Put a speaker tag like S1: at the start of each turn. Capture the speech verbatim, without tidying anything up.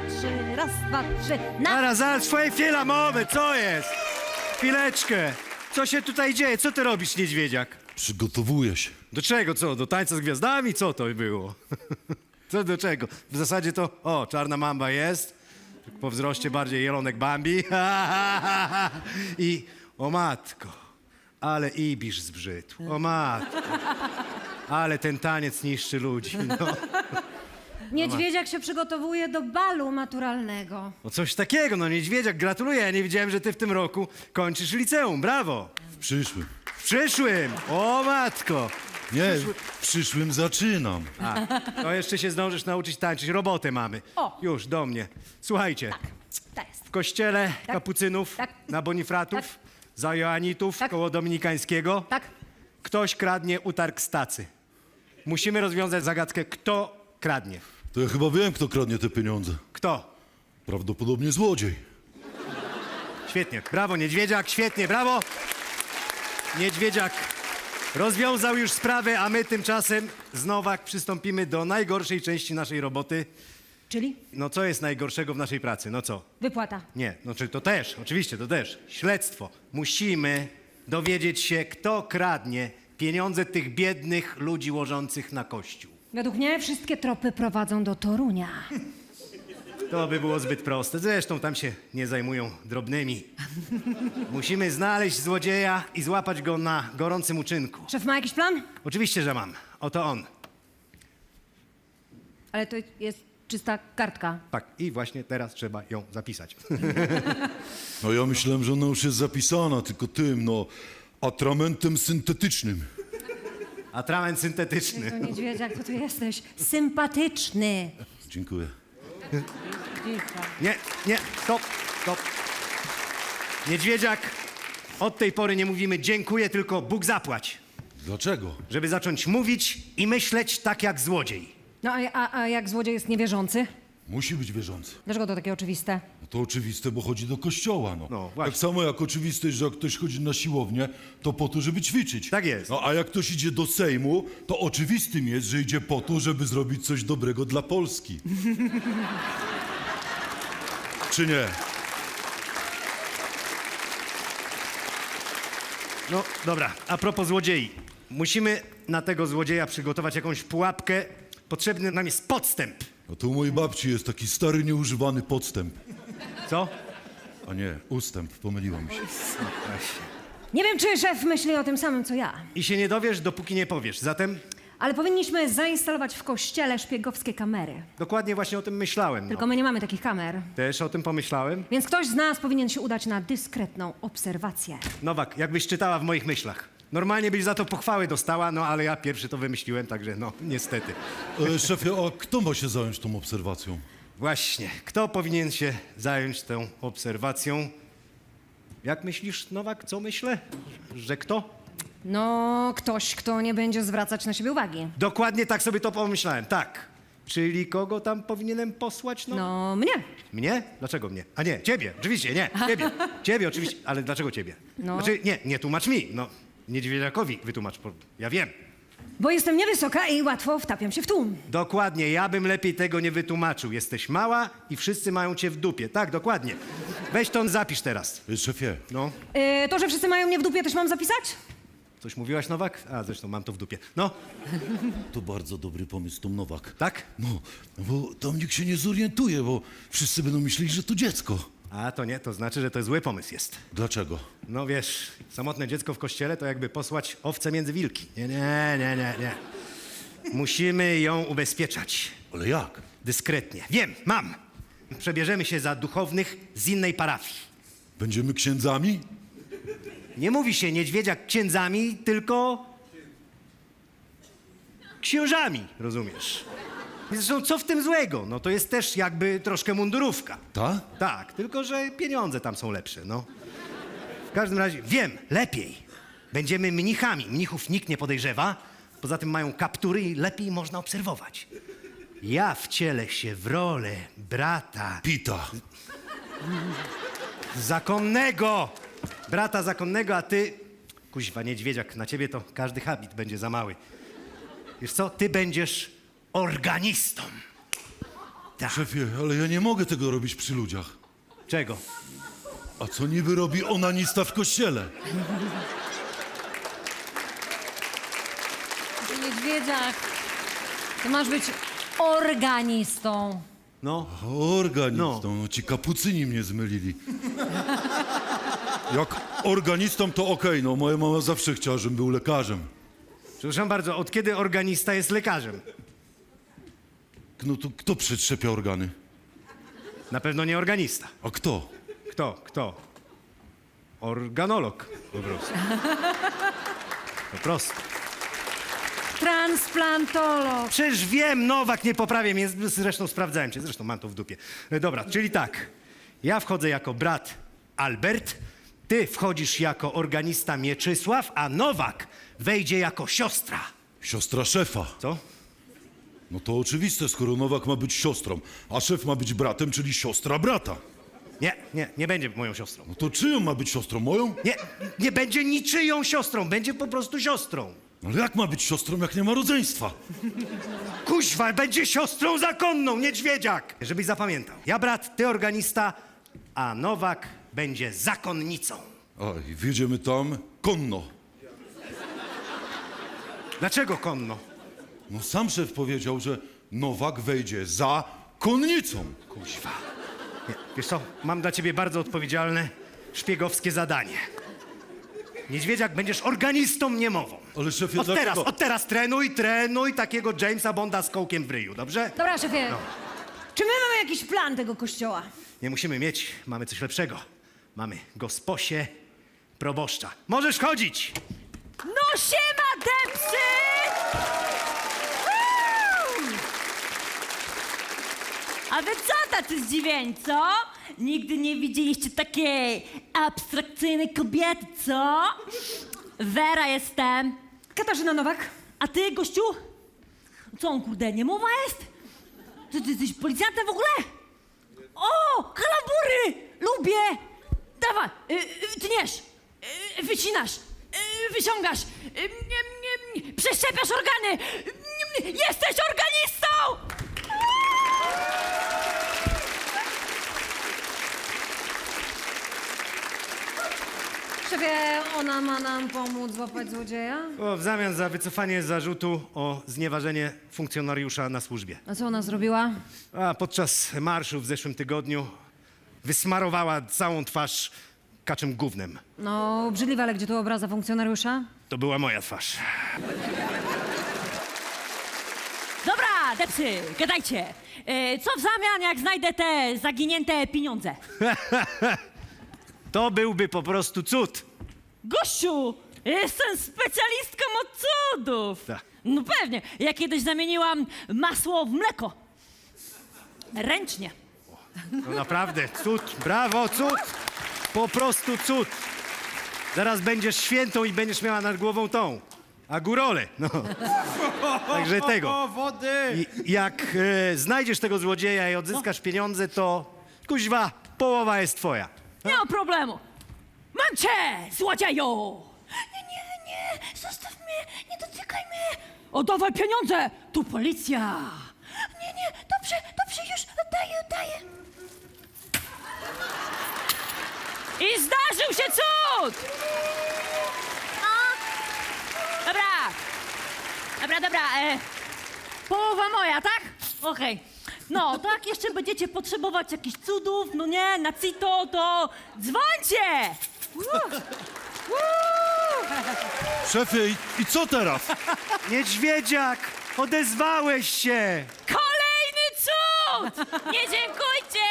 S1: trzy, raz, dwa, trzy, na...
S2: Zaraz, zaraz, twoje chwila mowy, co jest? Chwileczkę. Co się tutaj dzieje? Co ty robisz, niedźwiedziak?
S3: Przygotowuję się.
S2: Do czego, co? Do tańca z gwiazdami? Co to było? Co do czego? W zasadzie to, o, czarna mamba jest. Po wzroście bardziej jelonek Bambi. I, o matko, ale Ibisz zbrzydł. O matko. Ale ten taniec niszczy ludzi, no.
S1: Niedźwiedziak się przygotowuje do balu maturalnego.
S2: No coś takiego, no niedźwiedziak, gratuluję. Ja nie wiedziałem, że ty w tym roku kończysz liceum. Brawo.
S3: W przyszłym.
S2: W przyszłym. O matko.
S3: Nie, w przyszłym zaczynam.
S2: A, to jeszcze się zdążysz nauczyć tańczyć. Robotę mamy.
S1: O.
S2: Już, do mnie. Słuchajcie,
S1: To jest.
S2: w kościele
S1: Tak.
S2: kapucynów,
S1: Tak.
S2: na Bonifratów,
S1: Tak.
S2: za Joanitów,
S1: Tak.
S2: koło Dominikańskiego,
S1: Tak?
S2: ktoś kradnie utarg z tacy. Musimy rozwiązać zagadkę, kto kradnie.
S3: To ja chyba wiem, kto kradnie te pieniądze.
S2: Kto?
S3: Prawdopodobnie złodziej.
S2: Świetnie. Brawo, niedźwiedziak, świetnie, brawo. Niedźwiedziak rozwiązał już sprawę, a my tymczasem znowu przystąpimy do najgorszej części naszej roboty.
S1: Czyli
S2: No co jest najgorszego w naszej pracy? No co?
S1: wypłata.
S2: Nie, no czy to też, oczywiście to też. Śledztwo. Musimy dowiedzieć się, kto kradnie pieniądze tych biednych ludzi łożących na kościół.
S1: Według mnie wszystkie tropy prowadzą do Torunia.
S2: To by było zbyt proste. Zresztą tam się nie zajmują drobnymi. Musimy znaleźć złodzieja i złapać go na gorącym uczynku.
S1: Szef ma jakiś plan?
S2: Oczywiście, że mam. Oto on.
S1: Ale to jest czysta kartka.
S2: Tak, i właśnie teraz trzeba ją zapisać.
S3: No ja myślałem, że ona już jest zapisana, tylko tym, no, atramentem syntetycznym.
S2: Atrament syntetyczny.
S1: To niedźwiedziak, to ty jesteś sympatyczny.
S3: Dziękuję.
S2: Nie, nie, stop, stop. Niedźwiedziak, od tej pory nie mówimy dziękuję, tylko Bóg zapłać.
S3: Dlaczego?
S2: Żeby zacząć mówić i myśleć tak jak złodziej.
S1: No a, a, a jak złodziej jest niewierzący?
S3: Musi być wierzący.
S1: Dlaczego to takie oczywiste?
S3: No to oczywiste, bo chodzi do kościoła, no.
S2: No, właśnie.
S3: Tak samo jak oczywiste jest, że jak ktoś chodzi na siłownię, to po to, żeby ćwiczyć.
S2: Tak jest.
S3: No a jak ktoś idzie do Sejmu, to oczywistym jest, że idzie po to, żeby zrobić coś dobrego dla Polski. Czy nie?
S2: No dobra, a propos złodziei. Musimy na tego złodzieja przygotować jakąś pułapkę. Potrzebny nam jest podstęp.
S3: No to u mojej babci jest taki stary, nieużywany podstęp.
S2: Co?
S3: A nie, ustęp, pomyliłam się.
S1: Nie wiem, czy szef myśli o tym samym, co ja.
S2: I się nie dowiesz, dopóki nie powiesz. Zatem
S1: Ale powinniśmy zainstalować w kościele szpiegowskie kamery.
S2: dokładnie właśnie o tym myślałem.
S1: Tylko
S2: No.
S1: my nie mamy takich kamer.
S2: Też o tym pomyślałem.
S1: Więc ktoś z nas powinien się udać na dyskretną obserwację.
S2: Nowak, jakbyś czytała w moich myślach. Normalnie byś za to pochwały dostała, no ale ja pierwszy to wymyśliłem, także no, niestety.
S3: E, szefie, a kto ma się zająć tą obserwacją?
S2: Właśnie, kto powinien się zająć tą obserwacją? Jak myślisz, Nowak, co myślę? Że kto?
S1: No, ktoś, kto nie będzie zwracać na siebie uwagi.
S2: Dokładnie tak sobie to pomyślałem, tak. Czyli kogo tam powinienem posłać? No.
S1: No, mnie.
S2: Mnie? Dlaczego mnie? A nie, ciebie, oczywiście, nie, ciebie. Ciebie oczywiście, ale dlaczego ciebie?
S1: No.
S2: Znaczy, nie, nie tłumacz mi, no. Niedźwiedziakowi wytłumacz, bo ja wiem.
S1: Bo jestem niewysoka i łatwo wtapiam się w tłum.
S2: Dokładnie, ja bym lepiej tego nie wytłumaczył. Jesteś mała i wszyscy mają cię w dupie. Tak, dokładnie. Weź to zapisz teraz.
S3: E, szefie,
S2: No.
S1: Yy, to, że wszyscy mają mnie w dupie, też mam zapisać?
S2: Coś mówiłaś, Nowak? A, zresztą mam to w dupie. No,
S3: to bardzo dobry pomysł, Tom Nowak.
S2: tak?
S3: No, no bo tam nikt się nie zorientuje, bo wszyscy będą myśleli, że to dziecko.
S2: A, to nie, to znaczy, że to zły pomysł jest.
S3: Dlaczego?
S2: No wiesz, samotne dziecko w kościele to jakby posłać owce między wilki. Nie, nie, nie, nie, nie. Musimy ją ubezpieczać.
S3: Ale jak?
S2: Dyskretnie. Wiem, mam. Przebierzemy się za duchownych z innej parafii.
S3: Będziemy księdzami?
S2: Nie mówi się niedźwiedziak księdzami, tylko księżami, rozumiesz? Zresztą co w tym złego? No to jest też jakby troszkę mundurówka.
S3: Ta?
S2: Tak, tylko że pieniądze tam są lepsze, no. W każdym razie, wiem, lepiej. Będziemy mnichami. Mnichów nikt nie podejrzewa. Poza tym mają kaptury i lepiej można obserwować. Ja wcielę się w rolę brata
S3: Pita.
S2: zakonnego. Brata zakonnego, a ty... Kuźwa, niedźwiedziak, na ciebie to każdy habit będzie za mały. Wiesz co, ty będziesz organistą.
S1: Tak.
S3: Szefie, ale ja nie mogę tego robić przy ludziach.
S2: Czego?
S3: A co niby robi onanista w kościele?
S1: Niedźwiedziak, ty masz być organistą.
S2: No,
S3: Organistą, no. Ci kapucyni mnie zmylili. Jak organistą to okej, no moja mama zawsze chciała, żebym był lekarzem.
S2: przepraszam bardzo, od kiedy organista jest lekarzem?
S3: No to kto przetrzepia organy?
S2: Na pewno nie organista.
S3: A kto?
S2: Kto? Kto? Organolog po prostu. Po prostu.
S1: Transplantolog.
S2: Przecież wiem, Nowak, nie poprawię mnie, zresztą sprawdzałem cię, zresztą mam to w dupie. E, Dobra, czyli tak, ja wchodzę jako brat Albert, ty wchodzisz jako organista Mieczysław, a Nowak wejdzie jako siostra.
S3: Siostra szefa.
S2: Co?
S3: No to oczywiste, skoro Nowak ma być siostrą, a szef ma być bratem, czyli siostra brata.
S2: Nie, nie, nie będzie moją siostrą.
S3: No to czyją ma być siostrą? Moją?
S2: Nie, nie będzie niczyją siostrą, będzie po prostu siostrą.
S3: No ale jak ma być siostrą, jak nie ma rodzeństwa?
S2: Kuźwa, będzie siostrą zakonną, niedźwiedziak! Żebyś zapamiętał. Ja brat, ty organista, a Nowak będzie zakonnicą.
S3: A i wjedziemy tam konno.
S2: Dlaczego konno?
S3: No sam szef powiedział, że Nowak wejdzie za konnicą.
S2: Kuźwa. Nie, wiesz co, mam dla ciebie bardzo odpowiedzialne, szpiegowskie zadanie. Niedźwiedziak, będziesz organistą niemową.
S3: Ale szefie,
S2: Od
S3: dlaczego?
S2: teraz, od teraz trenuj, trenuj takiego Jamesa Bonda z kołkiem w ryju, dobrze?
S1: Dobra, szefie, czy my mamy jakiś plan tego kościoła?
S2: Nie musimy mieć, mamy coś lepszego. Mamy gosposię proboszcza. Możesz chodzić!
S1: No siema, depsy! Woo!
S4: A wy co tacy zdziwieni, co? Nigdy nie widzieliście takiej abstrakcyjnej kobiety, co? Wera jestem.
S1: Katarzyna Nowak.
S4: A ty, gościu? Co on, kurde, niemowa jest? Ty, ty jesteś policjantem w ogóle? O, kalambury! Lubię! Dawaj, y, y, tniesz, y, wycinasz, y, wyciągasz, y, y, y, przeszczepiasz organy! Y, y, jesteś organistą!
S1: Szefie, ona ma nam pomóc złapać złodzieja?
S2: O, w zamian za wycofanie zarzutu o znieważenie funkcjonariusza na służbie.
S1: A co ona zrobiła?
S2: A podczas marszu w zeszłym tygodniu wysmarowała całą twarz kaczym gównem.
S1: No, obrzydliwe, ale gdzie tu obraza funkcjonariusza?
S2: To była moja twarz.
S4: Dobra, depsy, gadajcie. E, co w zamian, jak znajdę te zaginięte pieniądze?
S2: To byłby po prostu cud.
S4: Gościu, jestem specjalistką od cudów.
S2: Tak.
S4: No pewnie, ja kiedyś zamieniłam masło w mleko. Ręcznie.
S2: No naprawdę, cud, brawo, cud. Po prostu cud. Zaraz będziesz świętą i będziesz miała nad głową tą. A górole, no. Także tego.
S5: wody!
S2: I jak e, znajdziesz tego złodzieja i odzyskasz pieniądze, to kuźwa, połowa jest twoja.
S4: Nie ma problemu. Mam cię, złodzieju! Nie, nie, nie, zostaw mnie, nie dotykaj mnie. Oddawaj pieniądze, tu policja. Nie, nie, dobrze, dobrze, już oddaję, oddaję. I zdarzył się cud! No. Dobra, dobra, dobra, e, połowa moja, tak? Okej. No, tak, jeszcze będziecie potrzebować jakichś cudów, no nie, na cito, to dzwońcie!
S3: Szefie, i, i co teraz?
S2: Niedźwiedziak, odezwałeś się.
S4: Kolejny cud! Nie dziękujcie!